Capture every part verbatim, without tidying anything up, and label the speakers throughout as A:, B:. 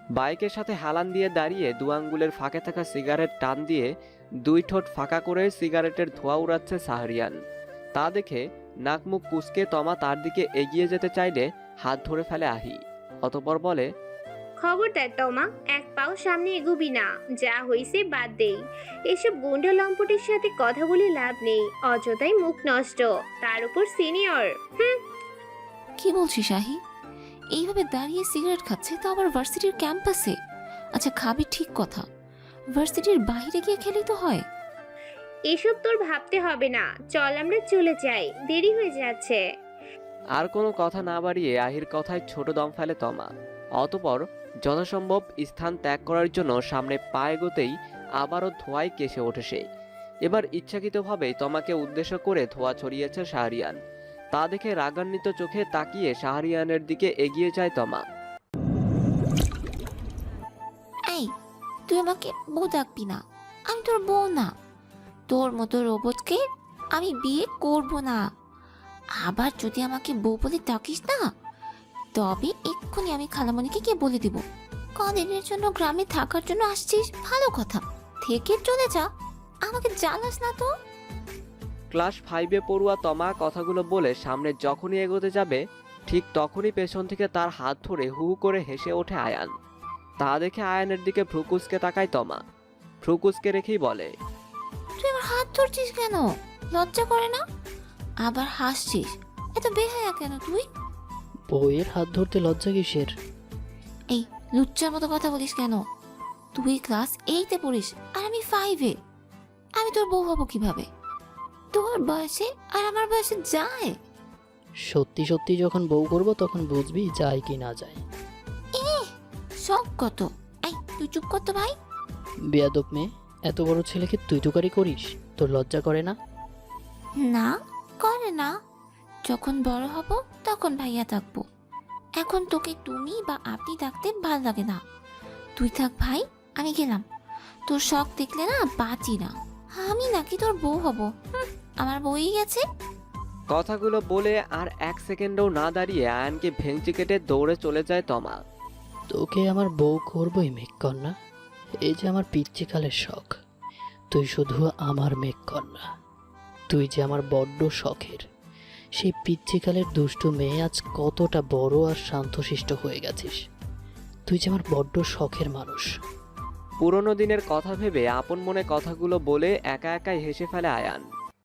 A: বাইকের সাথে হেলান দিয়ে দাঁড়িয়ে দু আঙ্গুলের ফাঁকে থাকা সিগারেট টান দিয়ে দুই ঠোঁট ফাঁকা করে সিগারেটের ধোঁয়া উড়াচ্ছে শাহরিয়ান। তা দেখে নাক মুখ কুঁচকে তমা তার দিকে এগিয়ে যেতে চাইলে হাত ধরে ফেলে আহি। অতঃপর বলে,
B: খবরদার তমা, এক পাও সামনে এগোবি না। যা হইছে বাদ দেই। এসব গুন্ডা লম্পটের সাথে কথা বলে লাভ নেই, অযথাই মুখ নষ্ট, তার উপর সিনিয়র। হুম।
C: কি বলছিস আহি? এইভাবে দাঁড়িয়ে সিগারেট খাচ্ছে, তো আবার ভার্সিটির ক্যাম্পাসে। আচ্ছা খাবি ঠিক কথা, ভার্সিটির বাইরে গিয়ে খেলেই তো হয়।
B: এসব তোর ভাবতে হবে না, চল আমরা চলে যাই, দেরি হয়ে যাচ্ছে।
A: আর কোনো কথা না বাড়িয়ে আহির কথায় ছোট দম ফেলে তমা। অতঃপর যথাসম্ভব স্থান ত্যাগ করার জন্য সামনে পা এগোতেই আবারও ধোঁয়ায় কেসে ওঠে সে। এবার ইচ্ছাকৃতভাবেই তমাকে উদ্দেশ্য করে ধোঁয়া ছড়িয়েছে শাহরিয়ান। তা দেখে রাগান্বিত চোখে তাকিয়ে শাহরিয়ানের দিকে এগিয়ে যায় তমা।
C: এই, তুই আমাকে বউ ডাকবি না, আমি তোর বউ না। তোর মতো রোবটকে আমি বিয়ে করব না। আবার যদি আমাকে বউ বলে ডাকিস না, তবে এক্ষুনি আমি খালামণিকে গিয়ে বলে দিব। কদিনের জন্য গ্রামে থাকার জন্য আসছিস, ভালো কথা, থেকে চলে যা, আমাকে জ্বালাস না তো।
A: ক্লাস ফাইভে পড়ুয়া তমা কথাগুলো বলে সামনে যখনই এগোতে যাবে, ঠিক তখনই পেছন থেকে তার হাত ধরে হু হু করে হেসে ওঠে আয়ান। তা দেখে আয়ানের দিকে ভ্রুকুচকে তাকায় তমা। ভ্রুকুচকে রেখেই বলে,
C: তুই আমার হাত ধরছিস কেন? লজ্জা করে না? আবার হাসছিস, এত বেহায়া কেন তুই?
D: বউয়ের হাত ধরতে লজ্জা কিসের?
C: এই লুচ্চার মতো কথা বলিস কেন? তুই ক্লাস এইটে পড়িস আর আমি ফাইভে। আমি তোর বউ হব কিভাবে? তোর বয়সে আর আমার বয়সে যায়?
D: সত্যি সত্যি যখন বউ করব তখন বুঝবি যায় কি না যায়।
C: শখ কত? এই তুই চুপ কর তো ভাই।
D: বেয়াদব মেয়ে, এত বড় ছেলেকে তুই তুকারি করিস, তোর লজ্জা করে না?
C: না করে না, যখন বড় হব তখন ভাইয়া থাকবো। এখন তোকে তুমি বা আপনি ডাকতে ভাল লাগে না। তুই থাক ভাই, আমি গেলাম। তোর শখ দেখলে না বাঁচি না। আমি নাকি তোর বউ হব? হুম, আমার বউই গেছে।
A: কথাগুলো বলে আর এক সেকেন্ডও না দাঁড়িয়ে আয়ানকে ভেঙচি কেটে দৌড়ে চলে যায় তমা।
D: তোকে আমার বউ করবই মেঘকন্যা, এই যে আমার পিচ্চিকালের শখ। তুই শুধু আমার মেঘকন্যা, তুই যে আমার বড্ড শখের। সেই পিচ্চিকালের দুষ্টু মেয়ে আজ কতটা বড় আর শান্তশিষ্ট হয়ে গেছিস। তুই যে আমার বড্ড শখের মানুষ।
A: পুরনো দিনের কথা ভেবে আপন মনে কথাগুলো বলে একা একাই হেসে ফেলে আয়ান।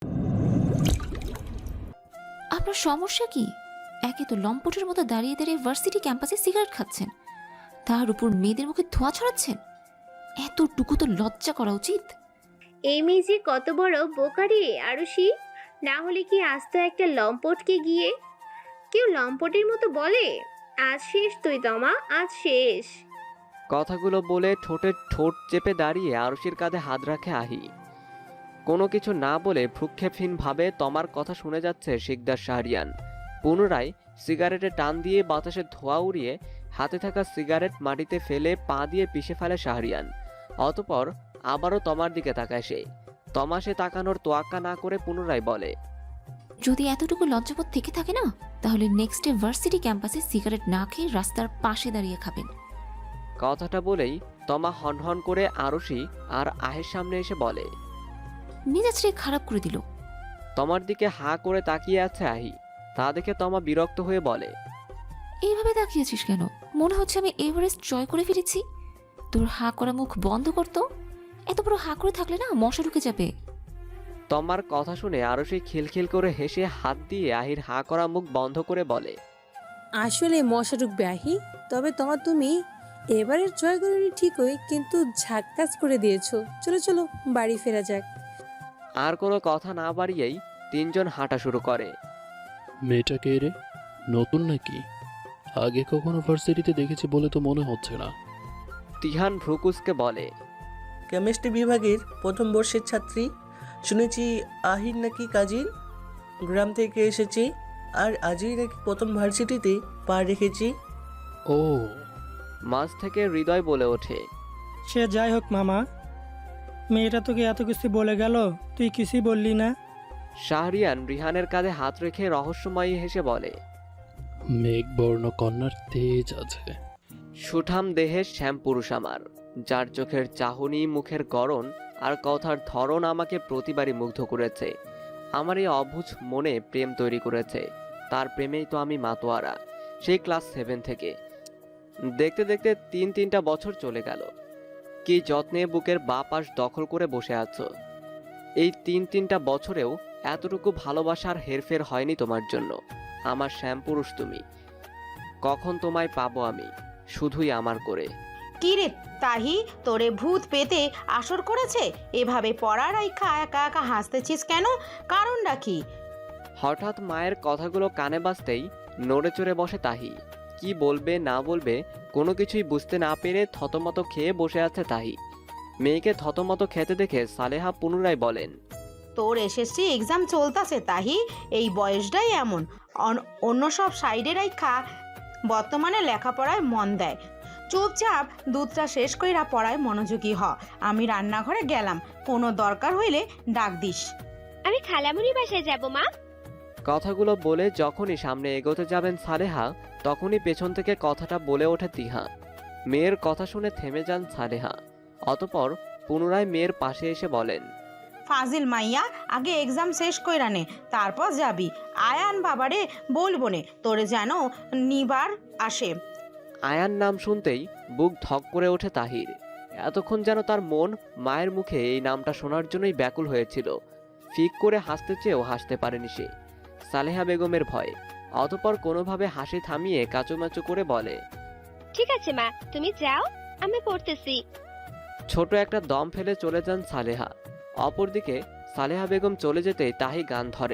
C: আপনার সমস্যা কি? একে তো লম্পটের মতো দাঁড়িয়ে দাঁড়িয়ে ভার্সিটি ক্যাম্পাসে সিগারেট খাচ্ছেন, তার উপর মেয়েদের মুখে ধোঁয়া ছড়াচ্ছেন। এতটুকু তো লজ্জা করা উচিত।
B: এই মেয়ে যে কত বড় বোকারে আরুষি, না হলে কি আস্ত একটা লম্পটকে গিয়ে কেউ লম্পটের মতো বলে? আজ শেষ তুই তমা, আজ শেষ।
A: কথাগুলো বলে ঠোঁটের ঠোঁট চেপে দাঁড়িয়ে আরুষির কাঁধে হাত রাখে আহি। কোনো কিছু না বলে ভ্রুক্ষেপহীনভাবে তমার কথা শুনে যাচ্ছে শিকদার শাহরিয়ান। পুনরায় সিগারেটে টান দিয়ে বাতাসে ধোঁয়া উড়িয়ে হাতে থাকা সিগারেট মাটিতে ফেলে পা দিয়ে পিষে ফেলে শাহরিয়ান। অতঃপর আবারও তমার দিকে তাকায় সে। তমা সে তাকানোর তোয়াক্কা না করে পুনরায় বলে,
C: যদি এতটুকু লজ্জাবোধ থেকে থাকে না, তাহলে নেক্সট ডে ভার্সিটি ক্যাম্পাসে সিগারেট না খেয়ে রাস্তার পাশে দাঁড়িয়ে খাবেন।
A: কথাটা বলেই তমা হনহন করে আরুষি আর আহের সামনে এসে বলে।
C: মেজাজটা খারাপ করে দিল।
A: তমার দিকে হাঁ করে তাকিয়ে আছে আহি। তা দেখে তমা বিরক্ত হয়ে বলে,
C: এইভাবে তাকিয়েছিস কেন? মনে হচ্ছে আমি এভারেস্ট জয় করে ফিরেছি। তোর হা করা মুখ বন্ধ করতো। এত বড় হা করে থাকলে না মশা ঢুকে যাবে।
A: তমার কথা শুনে আরুষি খিলখিল করে হেসে হাত দিয়ে আহির হাঁ করা মুখ বন্ধ করে বলে,
E: আসলে মশা ঢুকবে আহি, তবে তোমার তুমি এবারের জয় করিনি ঠিকই, কিন্তু ঝাক্কাস করে দিয়েছো। চলো চলো বাড়ি ফেরা যাক।
A: আর কোনো কথা না বাড়িয়েই তিনজন হাঁটা শুরু করে।
F: মেয়েটা কে রে? নতুন নাকি? আগে কখনো ভার্সিটিতে দেখেছি বলে তো মনে হচ্ছে না।
A: তিহান ভ্রুকুসকে বলে,
G: কেমিস্ট্রি বিভাগের প্রথম বর্ষের ছাত্রী। শুনেছি আহির নাকি কাজিন, গ্রাম থেকে এসেছে, আর আজই নাকি প্রথম ভার্সিটিতে পা রেখেছি।
F: ও,
A: মাঝ থেকে হৃদয় বলে ওঠে,
H: সে যাই হোক মামা, মেয়েটা তোকে এত কিছু বলে গেল, তুই কিছুই বললি না।
A: শাহরিয়ান রিহানের কাঁধে হাত রেখে রহস্যময়ী হেসে বলে,
F: মেঘবর্ণ কন্যার তেজ আছে।
A: সুঠাম দেহের শ্যাম পুরুষ আমার, যার চোখের চাহনি, মুখের গড়ন আর কথার ধরন আমাকে প্রতিবারই মুগ্ধ করেছে। আমার এই অবুঝ মনে প্রেম তৈরি করেছে। তার প্রেমেই তো আমি মাতোয়ারা, সেই ক্লাস সেভেন থেকে। দেখতে দেখতে তিন তিনটা বছর চলে গেল। কি যত্নে বুকের বাঁ পাশ দখল করে বসে আছো। এই তিন তিনটা বছরেও এতটুকু ভালোবাসার হেরফের হয়নি তোমার জন্য। আমার শ্যামপুরুষ তুমি। কখন তোমায় পাবো আমি, শুধুই আমার করে।
I: কি রে তাহি, তোরে ভূত পেতে আসর করেছে? এভাবে পড়ার আইখা একা একা হাসতেছিস কেন? কারণটা কি?
A: হঠাৎ মায়ের কথাগুলো কানে বাজতেই নড়ে চড়ে বসে তাহি। কি বলবে না বলবে কোনো কিছুই বুঝতে না পেরে থতমত খেয়ে বসে আছে তাহি। মেয়েকে থতমত খেতে দেখে সালেহা পুনরায় বলেন,
I: তোর এসএসসি এক্সাম চলতেছে তাহি, এই বয়সটাই এমন। অন- অন্য সব সাইডের আইখা বর্তমানে লেখাপড়ায় মন দেয়। চুপচাপ দুধটা শেষ কইরা পড়ায় মনোযোগী হ। আমি রান্নাঘরে গেলাম, কোনো দরকার হইলে ডাক দিস।
B: আমি খালামুনি বাসায় যাব মা।
A: কথাগুলো বলে যখনই সামনে এগোতে যাবেন সালেহা, তখনই পেছন থেকে কথাটা বলে ওঠে তিহা। মেয়ের কথা শুনে থেমে যান সালেহা। অতপর পুনরায় মেয়ের পাশে এসে বলেন,
I: ফাজিল মাইয়া, আগে এক্সাম শেষ কইরা নে, তারপর যাবি। আয়ান বাবারে বলবো নে তোরে যেন নিবার আসে।
A: আয়ান নাম শুনতেই বুক ধক করে ওঠে তাহির। এতক্ষণ যেন তার মন মায়ের মুখে এই নামটা শোনার জন্যই ব্যাকুল হয়েছিল। ফিক করে হাসতে চেয়েও হাসতে পারেনি সে, সালেহা বেগমের ভয়ে। অতপর কোনোভাবে হাসি থামিয়ে কাচুমাচু করে বলে,
B: ঠিক আছে মা, তুমি যাও, আমি পড়তেছি।
A: ছোট একটা দম ফেলে চলে যান সালেহা। অপরদিকে সালেহা বেগম চলে যেতেই তাহি গান ধরে।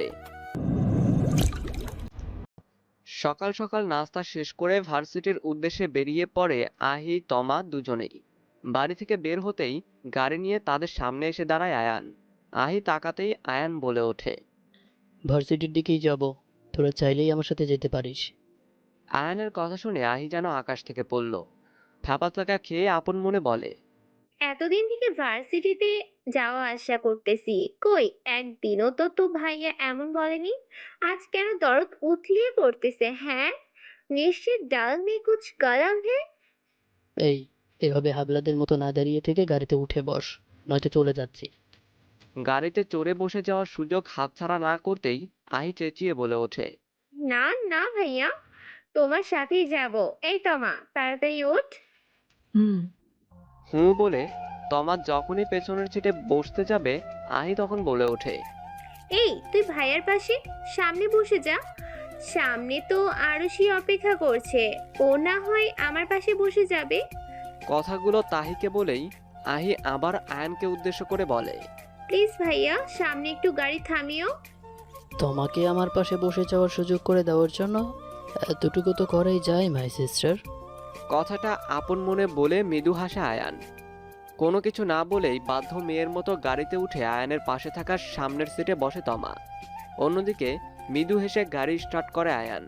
A: সকাল সকাল নাস্তা শেষ করে ভার্সিটির উদ্দেশ্যে বেরিয়ে পড়ে আহি তমা দুজনেই। বাড়ি থেকে বের হতেই গাড়ি নিয়ে তাদের সামনে এসে দাঁড়ায় আয়ান। আহি তাকাতেই আয়ান বলে ওঠে,
D: ভার্সিটির দিকেই যাব, তোরা চাইলেই আমার সাথে যেতে পারিস।
A: আয়ানের কথা শুনে আহি যেন আকাশ থেকে পড়ল। থাপা থাকা খেয়ে আপন মনে বলে,
B: এতদিন থেকে ভার্সিটিতে যাওয়া আসা করতেছি, কই একদিনও তো তো ভাইয়া এমন বলেনি। আজ কেন দরদ উথলিয়ে পড়তেছে? হ্যাঁ, নিশ্চিত ডাল মে কুছ গরম হে।
D: এই, এভাবে হাবলাদের মতো না দাঁড়িয়ে থেকে গাড়িতে উঠে বস, নয়তো চলে যাচ্ছি।
A: গাড়িতে চড়ে বসে যাওয়ার সুযোগ হাতছাড়া না করতেই আহি চেঁচিয়ে বলে ওঠে,
B: না না ভাইয়া, তোমার সাথেই যাব। এই তমা, তাড়াতাড়ি ওঠ।
C: হুম।
A: হুঁ বলে তমা যখনই পেছনের সিটে বসতে যাবে আহি তখন বলে ওঠে,
B: এই তুই ভাইয়ার পাশে সামনে বসে যা। সামনে তো আরুষি অপেক্ষা করছে, ও না হয় আমার পাশে বসে যাবে।
A: কথাগুলো তাহিকে বলেই আহি আবার আয়ানকে উদ্দেশ্য করে বলে,
B: প্লিজ ভাইয়া, সামনে একটু গাড়ি থামিও।
D: তোমাকে আমার পাশে বসে যাওয়ার সুযোগ করে দেওয়ার জন্য এতটুকু তো করাই যায় মাই সিস্টার।
A: কথাটা আপন মনে বলে মৃদু হাসে আয়ান। কোনো কিছু না বলেই বাধ্য মেয়ের মতো গাড়িতে উঠে আয়ানের পাশে থাকা সামনের সিটে বসে তমা। অন্যদিকে মৃদু হেসে গাড়ি স্টার্ট করে আয়ান।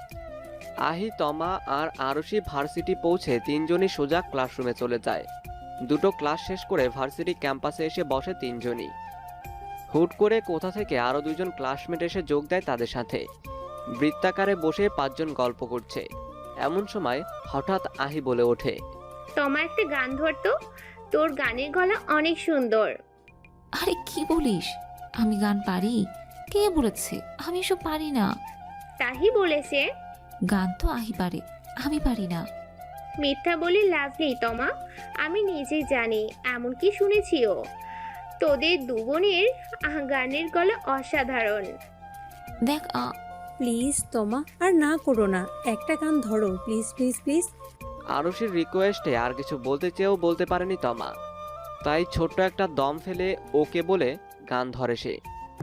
A: আহি, তমা আর আরুষি ভার্সিটি পৌঁছে তিনজনই সোজা ক্লাসরুমে চলে যায়। দুটো ক্লাস শেষ করে ভার্সিটি ক্যাম্পাসে এসে বসে তিনজনই। হুট করে কোথা থেকে আরো দুজন ক্লাসমেট এসে যোগ দেয় তাদের সাথে। বৃত্তাকারে বসে পাঁচজন গল্প করছে। এমন সময় হঠাৎ আহি বলে ওঠে,
B: তোমার একটা গান ধরতো, তোর গানের গলা অনেক সুন্দর।
C: আরে কি বলিস? আমি গান পারি? কে বলেছে? আমি এসব পারি না।
B: তাহি বলেছে।
C: গান তো আহি পারে, আমি পারি না।
B: মিথ্যা বলে লাভ নেই তমা, আমি নিজে জানি, এমনকি শুনেছিও। তোদের দুবোনের আহ, গানের গলা অসাধারণ।
C: দেখ আ
E: প্লিজ তোমা, আর না করো না, একটা গান ধরো প্লিজ প্লিজ প্লিজ।
A: আরুষির রিকোয়েস্টে আর কিছু বলতে চেয়েও বলতে পারেনি তমা। তাই ছোট্ট একটা দম ফেলে ওকে বলে গান ধরে সে।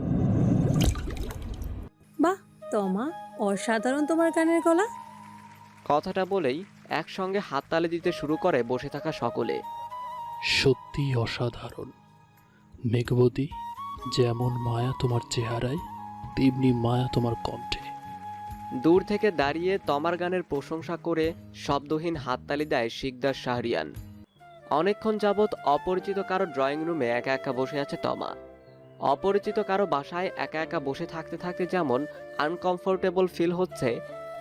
E: বাহ তোমা, অসাধারণ তোমার গানের গলা।
A: কথাটা বলেই একসঙ্গে হাততালি দিতে শুরু করে বসে থাকা সকলে।
F: সত্যি অসাধারণ মেঘবতী, যেমন মায়া তোমার চেহারায়, তেমনি মায়া তোমার কণ্ঠে।
A: দূর থেকে দাঁড়িয়ে তমার গানের প্রশংসা করে শব্দহীন হাততালি দেয় শিকদার শাহরিয়ান। অনেকক্ষণ যাবৎ অপরিচিত কারো ড্রয়িং রুমে একা একা বসে আছে তমা। অপরিচিত কারো বাসায় একা একা বসে থাকতে থাকতে যেমন আনকমফোর্টেবল ফিল হচ্ছে,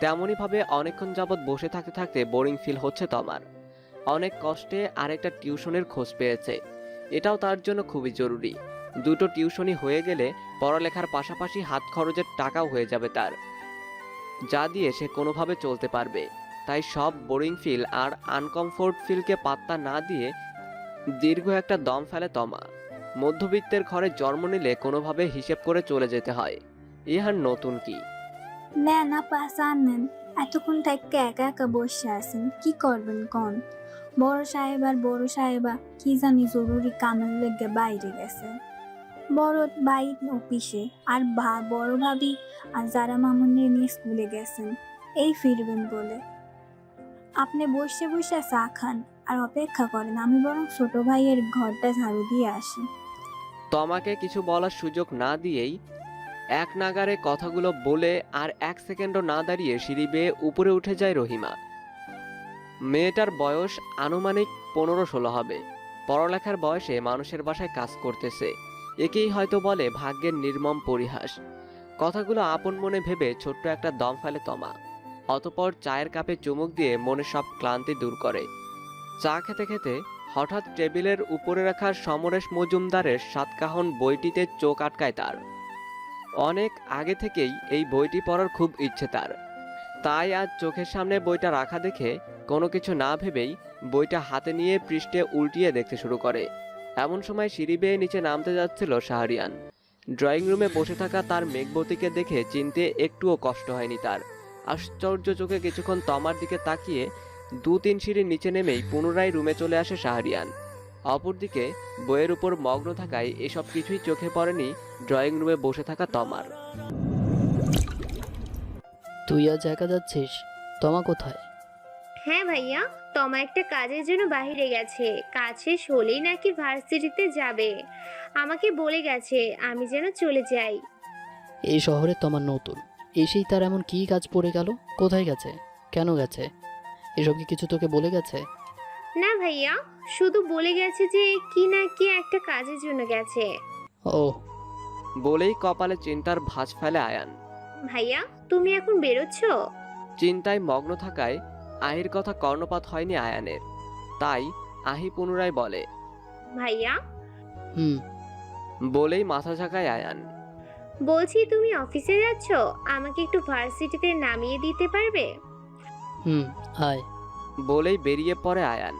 A: তেমনইভাবে অনেকক্ষণ যাবৎ বসে থাকতে থাকতে বোরিং ফিল হচ্ছে তমার। অনেক কষ্টে আরেকটা টিউশনের খোঁজ পেয়েছে, এটাও তার জন্য খুবই জরুরি। দুটো টিউশনই হয়ে গেলে পড়ালেখার পাশাপাশি হাত খরচের টাকাও হয়ে যাবে তার, যা দিয়ে সে কোনোভাবে চলতে পারবে। তাই সব বোরিং ফিল আর আনকমফোর্ট ফিলকে পাত্তা না দিয়ে দীর্ঘ একটা দম ফেলে তমা। মধ্যবিত্তের ঘরে জন্ম নিলে কোনোভাবে হিসেব করে চলে যেতে হয়, ইহার নতুন কি?
J: নেন আপা চান নেন। এতক্ষণ থেকে একা একা বসে আছেন, কি করবেন কোন? বড় সাহেব আর বড় সাহেবা কি জানি জরুরি কামের লেগে বাইরে গেছে। বড় ভাই অফিসে, আর ভা বড় ভাবি আর যারা মামুনের নিয়ে স্কুলে গেছেন, এই ফিরবেন বলে। আপনি বসে বসে চা খান আর অপেক্ষা করেন, আমি বরং ছোট ভাইয়ের ঘরটা ঝাড়ু দিয়ে আসি।
A: তমাকে কিছু বলার সুযোগ না দিয়েই এক নাগারে কথাগুলো বলে আর এক সেকেন্ডও না দাঁড়িয়ে সিঁড়ি বেয়ে উপরে উঠে যায় রহিমা। মেয়েটার বয়স আনুমানিক পনেরো ষোলো হবে। পড়ালেখার বয়সে মানুষের বাসায় কাজ করতেছে, একেই হয়তো বলে ভাগ্যের নির্মম পরিহাস। কথাগুলো আপন মনে ভেবে ছোট্ট একটা দম ফেলে তমা। অতপর চায়ের কাপে চুমুক দিয়ে মনে সব ক্লান্তি দূর করে। চা খেতে খেতে হঠাৎ টেবিলের উপরে রাখা সমরেশ মজুমদারের সাতকাহন বইটিতে চোখ আটকায় তার। অনেক আগে থেকেই এই বইটি পড়ার খুব ইচ্ছে তার, তাই আজ চোখের সামনে বইটা রাখা দেখে কোনো কিছু না ভেবেই বইটা হাতে নিয়ে পৃষ্ঠে উল্টিয়ে দেখতে শুরু করে। এমন সময় সিঁড়ি বেয়ে নিচে নামতে যাচ্ছিল শাহরিয়ান। ড্রয়িং রুমে বসে থাকা তার মেঘবতীকে দেখে চিনতে একটুও কষ্ট হয়নি তার। আশ্চর্য চোখে কিছুক্ষণ তমার দিকে তাকিয়ে দু তিন সিঁড়ির নিচে নেমেই পুনরায় রুমে চলে আসে শাহরিয়ান। অপরদিকে বইয়ের উপর মগ্ন থাকায় এসব কিছুই চোখে পড়েনি ড্রয়িং রুমে বসে থাকা তমার।
D: তুই আজ একা যাচ্ছিস? তমা কোথায়?
B: হ্যাঁ ভাইয়া, তমা একটা কাজের জন্য বাইরে গেছে। কাজ শেষ হলেই নাকি ভার্সিটিতে যাবে। আমাকে বলে গেছে আমি যেন চলে যাই।
D: এই শহরে তমা নতুন, এসেই তার এমন কি কাজ পড়ে গেল? কোথায় গেছে? কেন গেছে? এসব কি কিছু তোকে বলে গেছে?
B: না ভাইয়া, শুধু বলে গেছে যে কি না কি একটা কাজের জন্য গেছে।
D: ও
A: বলেই কপালে চিন্তার ভাঁজ ফেলে আয়ান।
B: ভাইয়া তুমি এখন বেরোচ্ছ?
A: চিন্তায় মগ্ন থাকায় আহির কথা কর্ণপাত হয়নি আয়ানের, তাই আহি পুনরায় বলে,
B: ভাইয়া।
D: হুম
A: বলেই মাথা ঝাঁকায় আয়ান।
B: বলছি তুমি অফিসে যাচ্ছ, আমাকে একটু ভার্সিটিতে নামিয়ে দিতে পারবে?
D: হুম আয়।
A: বলেই বেরিয়ে পড়ে আয়ান।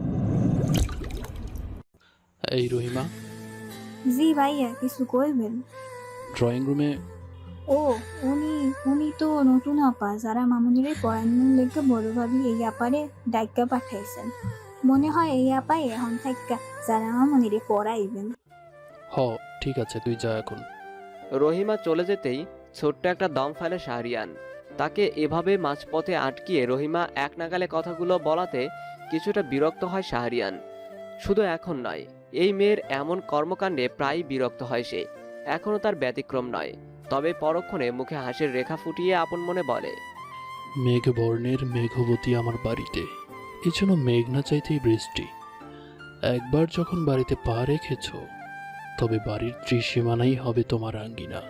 F: এই রহিমা,
J: জি ভাইয়া, কিছু কইবেন?
F: ড্রয়িং রুমে
J: ও উনি উনি তো নতুন আপা, যারা মামুনিরে পড়ানোর লেগে বড় ভাবি এই আপারে ডাইকা পাঠাইছেন। মনে হয় এই আপাই এখন থেকে যারা মামুনিরে পড়াইবেন।
F: হ ঠিক আছে, তুই যা এখন।
A: রহিমা চলে যেতেই ছোট্ট একটা দম ফেলে শাহরিয়ান। তাকে এভাবে মাঝপথে আটকিয়ে রহিমা এক নাগালে কথাগুলো বলাতে কিছুটা বিরক্ত হয় শাহরিয়ান। শুধু এখন নয়, এই মেয়ের এমন কর্মকাণ্ডে প্রায় বিরক্ত হয় সে। এখনও তার ব্যতিক্রম নয়, তবে পরক্ষণে মুখে হাসির রেখা ফুটিয়ে আপন মনে বলে,
F: মেঘবর্ণের মেঘবতী আমার বাড়িতে, এজন্য মেঘ না চাইতেই বৃষ্টি। একবার যখন বাড়িতে পা রেখেছ, তবে বাড়ির ত্রিসীমানাই হবে তোমার আঙ্গিনা।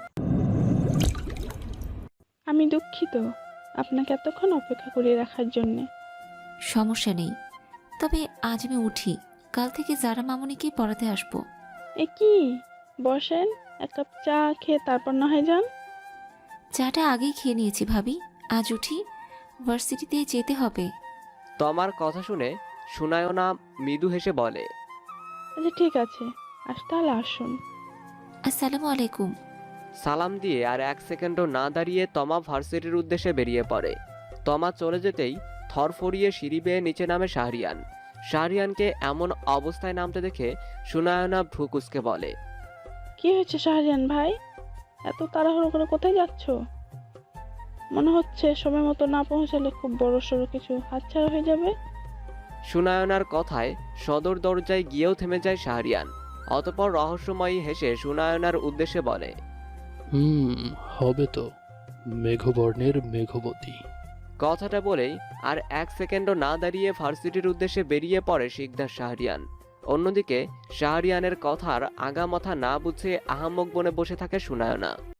K: আমি দুঃখিত আপনাকে এতক্ষণ অপেক্ষা করিয়ে রাখার জন্যে।
C: সমস্যা নেই, তবে আজ আমি উঠি, কাল থেকে যারা মামুনিকে পড়াতে আসবো।
K: এ কি, বসেন, এক কাপ চা খেয়ে তারপর না হয় যান।
C: চাটা আগেই খেয়ে নিয়েছি ভাবি, আজ উঠি, ভার্সিটিতে যেতে হবে।
A: তমার কথা শুনে সুনায়না মৃদু হেসে বলে,
K: আচ্ছা ঠিক আছে, আজ তাহলে আসুন।
C: আসসালামু আলাইকুম।
A: সালাম দিয়ে আর এক সেকেন্ডও না দাঁড়িয়ে তমা ভার্সিটির উদ্দেশ্যে বেরিয়ে পড়ে। তমা চলে যেতেই থরফরিয়ে সিঁড়ি বেয়ে নিচে নামে শাহরিয়ান। শাহরিয়ানকে এমন অবস্থায় নামতে দেখে সুনায়না ভ্রু কুঁচকে বলে,
K: কি হয়েছে শাহরিয়ান ভাই, এত তাড়াহুড়ো করে কোথায় যাচ্ছ? মনে হচ্ছে সময় মতো না পৌঁছালে খুব বড় সড়ো কিছু হাতছাড়া হয়ে যাবে।
A: সুনায়নার কথায় সদর দরজায় গিয়েও থেমে যায় শাহরিয়ান। অতপর রহস্যময়ী হেসে সুনায়নার উদ্দেশ্যে বলে,
F: হুম হবে তো, মেঘবর্ণের মেঘবতী।
A: কথাটা বলেই আর এক সেকেন্ডও না দাঁড়িয়ে ভার্সিটির উদ্দেশ্যে বেরিয়ে পড়ে শিকদার শাহরিয়ান। অন্যদিকে শাহরিয়ানের কথার আগামাথা না বুঝে আহাম্মক বনে বসে থাকে সুনায়না।